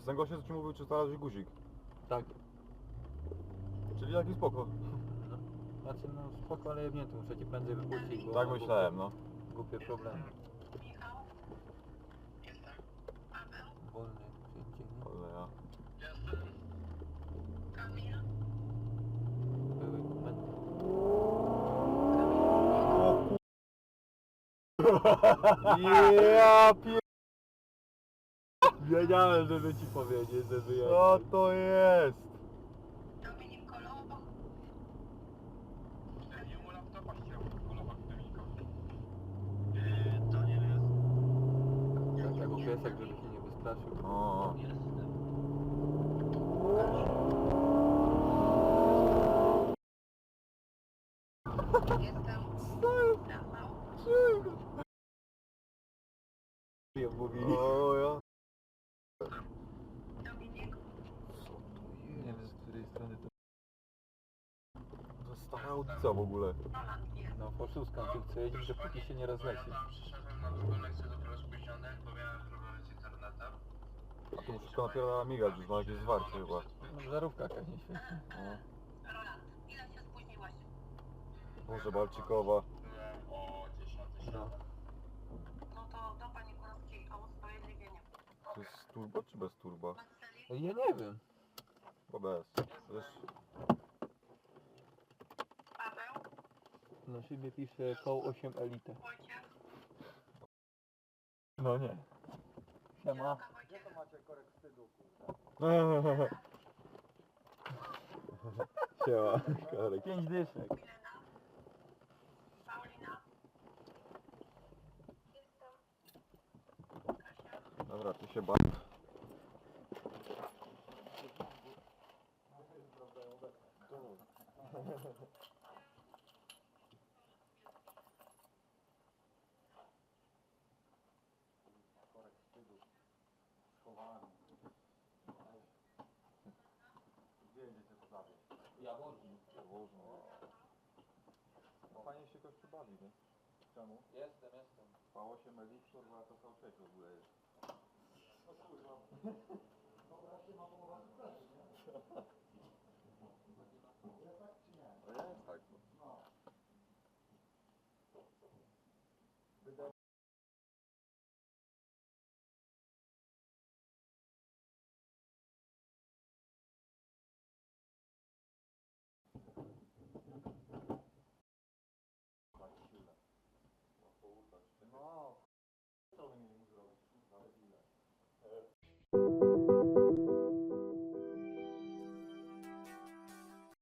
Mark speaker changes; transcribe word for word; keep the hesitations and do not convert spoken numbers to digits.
Speaker 1: ten gościu co ci mówił, czy znalazłeś guzik?
Speaker 2: Tak.
Speaker 1: Czyli jaki spoko.
Speaker 2: No. Znaczy no spoko, ale jebnięty, muszę cię prędzej wypuścić, bo
Speaker 1: Tak
Speaker 2: ma
Speaker 1: myślałem,
Speaker 2: głupie,
Speaker 1: no.
Speaker 2: głupie problemy.
Speaker 3: Michał? Jestem. Paweł?
Speaker 2: Wolny wszędzie, nie?
Speaker 1: Ale ja.
Speaker 3: Jestem. Kamil?
Speaker 2: Były komendy.
Speaker 1: Ja pier...
Speaker 2: Wiedziałem, żeby ci powiedzieć, że wyjadę.
Speaker 1: Co to jest?
Speaker 3: Dominik Kolowo? Ja nie mu laptopa chciałem kolować Dominika. Yy, Daniel jest.
Speaker 2: Tak, jako piesek, żeby się nie wystraszył.
Speaker 1: O.
Speaker 3: Jestem. Jestem. Rafał?
Speaker 2: Ja mówili.
Speaker 1: O ja.
Speaker 3: Dominik?
Speaker 2: Nie wiem, z której strony to...
Speaker 1: To stara audycja w ogóle.
Speaker 3: Roland jest.
Speaker 2: No, poszuskam tu chcę jeździć, dopóki się nie rozleci.
Speaker 3: Przyszedłem na drugą lekcję dopiero spóźniony, bo miałem problemy z internetem.
Speaker 1: A tu wszystko napierdala migać, już ma jakieś zwarcie chyba.
Speaker 2: No, żarówka jakaś nie świeci.
Speaker 1: No.
Speaker 3: Roland, ile się spóźniłeś?
Speaker 1: Boże, Balcikowa.
Speaker 3: Byłem o dziesiątej.
Speaker 2: No.
Speaker 3: No to do pani Kurowskiej o usprawiedliwienie.
Speaker 1: To jest turbo czy bez turba?
Speaker 3: Marceli?
Speaker 2: Ja nie wiem.
Speaker 1: Bo bez. Wiesz,
Speaker 3: Paweł?
Speaker 2: Na szybie pisze koło osiem Elite.
Speaker 3: Wojciech?
Speaker 2: No nie. Siema.
Speaker 3: Zielonka Wojciech?
Speaker 1: siema, Karek.
Speaker 2: Pięć dyszek.
Speaker 3: Milena? Paulina? Jestem. Kasia?
Speaker 1: Dobra, ty się baw. No fajnie się gościu bawi, nie? Czemu?
Speaker 2: Jestem, jestem.
Speaker 1: V osiem Elite, kurwa, to V sześć w ogóle jest. No kurwa. Dobra, się ma połowa nie?